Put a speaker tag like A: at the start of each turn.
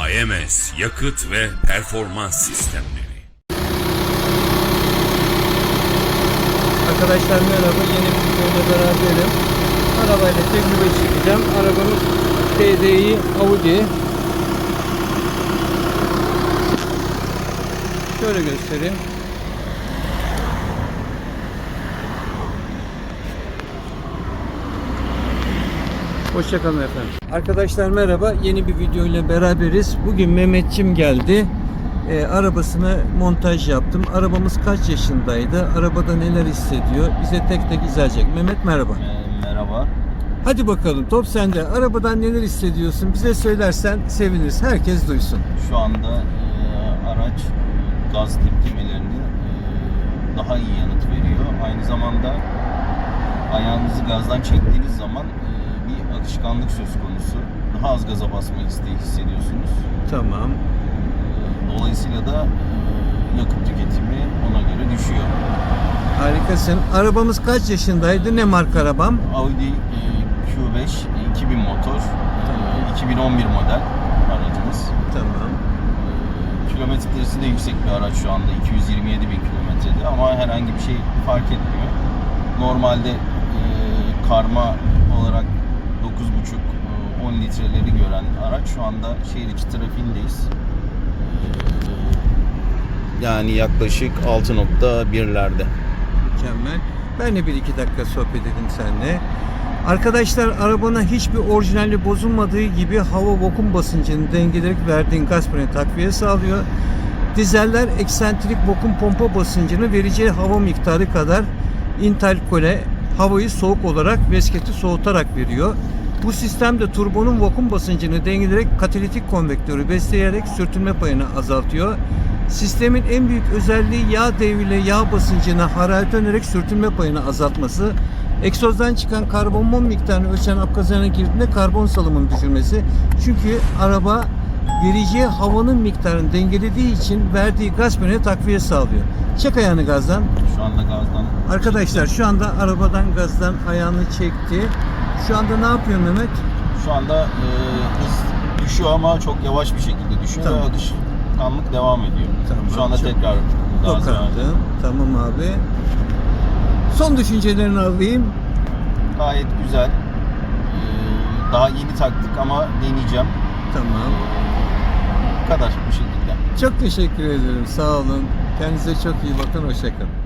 A: AMS yakıt ve performans sistemleri.
B: Arkadaşlar merhaba, yeni bir videoyla beraberim. Arabayla tecrübe çekeceğim. Arabamız TDI Audi. Şöyle göstereyim. Hoşçakalın efendim. Arkadaşlar merhaba, yeni bir video ile beraberiz. Bugün Mehmetçim geldi. Arabasını montaj yaptım. Arabamız kaç yaşındaydı? Arabada neler hissediyor? Bize tek tek izleyecek. Mehmet merhaba.
C: Merhaba.
B: Hadi bakalım, top sende. Arabadan neler hissediyorsun? Bize söylersen seviniriz. Herkes duysun.
C: Şu anda araç gaz tepkimelerini daha iyi yanıt veriyor. Aynı zamanda ayağınızı gazdan çektiğiniz zaman bir akışkanlık söz konusu. Daha az gaza basma isteği hissediyorsunuz.
B: Tamam.
C: Dolayısıyla da yakıt tüketimi ona göre düşüyor.
B: Harikasın. Arabamız kaç yaşındaydı? Ne marka arabam?
C: Audi Q5 2000 motor. 2011 model aracımız.
B: Tamam.
C: Kilometresi de yüksek bir araç şu anda. 227 bin kilometrede ama herhangi bir şey fark etmiyor. Normalde karma olarak 9,5-10 litreleri gören araç şu anda şehir içi trafiğindeyiz. Yani yaklaşık 6,1'lerde.
B: Mükemmel. Ben de 1-2 dakika sohbet edeyim seninle. Arkadaşlar, arabana hiçbir orijinali bozulmadığı gibi hava vakum basıncını dengeleyerek verdiğin gaz freni takviye sağlıyor. Dizeller eksantrik vakum pompa basıncını vereceği hava miktarı kadar interkole havayı soğuk olarak vesketi soğutarak veriyor. Bu sistemde turbonun vakum basıncını dengeleyerek katalitik konvektörü besleyerek sürtünme payını azaltıyor. Sistemin en büyük özelliği yağ devriyle yağ basıncını hararet önerek sürtünme payını azaltması. Egzozdan çıkan karbon miktarını ölçen apkazana girdiğinde karbon salımını düşürmesi. Çünkü araba vereceği havanın miktarını dengelediği için verdiği gaz freni takviye sağlıyor. Çek ayağını gazdan.
C: Şu anda gazdan.
B: Arkadaşlar şu anda arabadan gazdan ayağını çekti. Şu anda ne yapıyor Mehmet?
C: Şu anda hız düşüyor ama çok yavaş bir şekilde düşüyor.
B: Tamam.
C: Ve alışkanlık devam ediyor.
B: Tamam,
C: Şu anda
B: çok
C: tekrar gaz verdi.
B: Tokardı. Tamam abi. Son düşüncelerini alayım.
C: Gayet güzel. Daha yeni taktık ama deneyeceğim.
B: Tamam.
C: Bu kadar bu şekilde.
B: Çok teşekkür ederim. Sağ olun. Kendinize çok iyi bakın. Hoşça kalın.